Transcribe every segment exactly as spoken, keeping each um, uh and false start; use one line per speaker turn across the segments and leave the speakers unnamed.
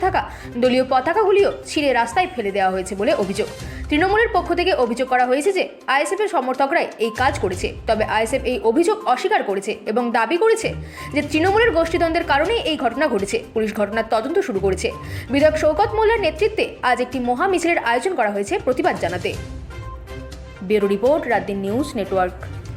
থাকা দলীয় পতাকাগুলিও ছিঁড়ে রাস্তায় ফেলে দেওয়া হয়েছে বলে অভিযোগ। তৃণমূলের পক্ষ থেকে অভিযোগ করা হয়েছে যে আইএসএফ এর সমর্থকরাই এই কাজ করেছে। তবে আইএসএফ এই অভিযোগ অস্বীকার করেছে এবং দাবি করেছে যে তৃণমূলের গোষ্ঠীদ্বন্দ্বের কারণেই এই ঘটনা ঘটেছে। পুলিশ ঘটনার তদন্ত শুরু করেছে। বিধায়ক শওকত মোল্লার নেতৃত্বে আজ একটি মহা মিছিলের আয়োজন করা হয়েছে প্রতিবাদ জানাতে। Bureau report, Raatdin news network.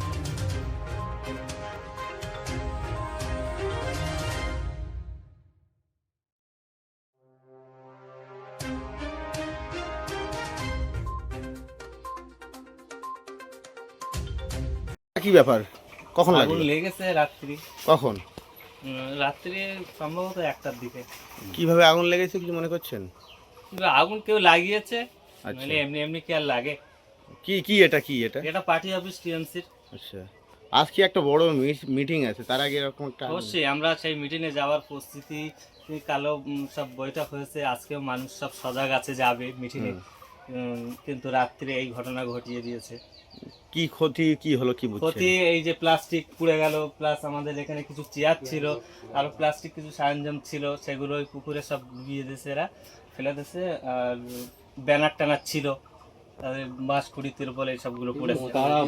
কি ব্যাপার, কখন
আগুন
লাগলো?
লেগেছে রাত্রি
কখন?
উম, রাত্রি সম্ভবত একটার দিকে।
কিভাবে আগুন লেগেছে কিছু মনে করছেন?
কিন্তু আগুন কেউ লাগিয়েছে,
আচ্ছা।
মানে এমনি এমনি কি আর লাগে?
কি কি এটা কি এটা
এটা পার্টি অফিস টিএমসির।
আচ্ছা, আজকে একটা বড় মিটিং আছে, তার আগে এরকম একটা আগুন-
অবশ্যই আমরা সেই মিটিংয়ে যাওয়ার প্রস্তুতি, কালো উম, সব বৈঠক হয়েছে, আজকেও মানুষ সব সজাগ আছে যাবে মিটিংয়ে। কিন্তু রাত্রে এই ঘটনা ঘটিয়ে দিয়েছে।
কি ক্ষতি কি হলো কি বুঝছেন?
ক্ষতি এই যে প্লাস্টিক পুড়ে গেল, প্লাস আমাদের এখানে কিছু চেয়ার ছিল, আর প্লাস্টিক কিছু সরঞ্জাম ছিল, সেগুলো ওই পুকুরে সব ডুবিয়ে দিয়েছে, এরা ফেলে দিয়েছে। আর ব্যানার ট্যানার ছিল, তাদের বাঁশ কুড়ি তিরপল এই সবগুলো পড়েছে।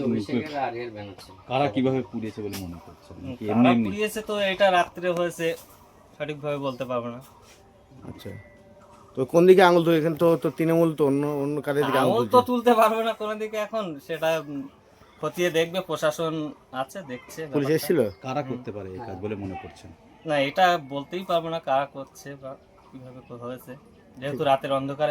কারা কিভাবে পুড়িয়েছে বলে মনে করছেন?
উম,
কি
কারা
এমনি এমনি?
পুড়িয়েছে তো এটা রাত্রে হয়েছে, সঠিকভাবে বলতে পারবো না।
আচ্ছা, তো কোন দিকে আঙুল তো এখানে তো তো তৃণমূল তো অন্য অন্য কাদের দিকে আঙুল
আঙুল তো
তুলছে?
তুলতে পারবো না কোনো দিকে, এখন সেটা উম, খতিয়ে দেখবে, প্রশাসন আছে দেখছে
পুলিশ
ব্যাপারটা।
এসেছিল?
কারা করতে পারে এই কাজ বলে মনে করছেন?
না, এটা বলতেই পারবো না কারা করছে বা কিভাবে হয়েছে, যেহেতু রাতের অন্ধকারে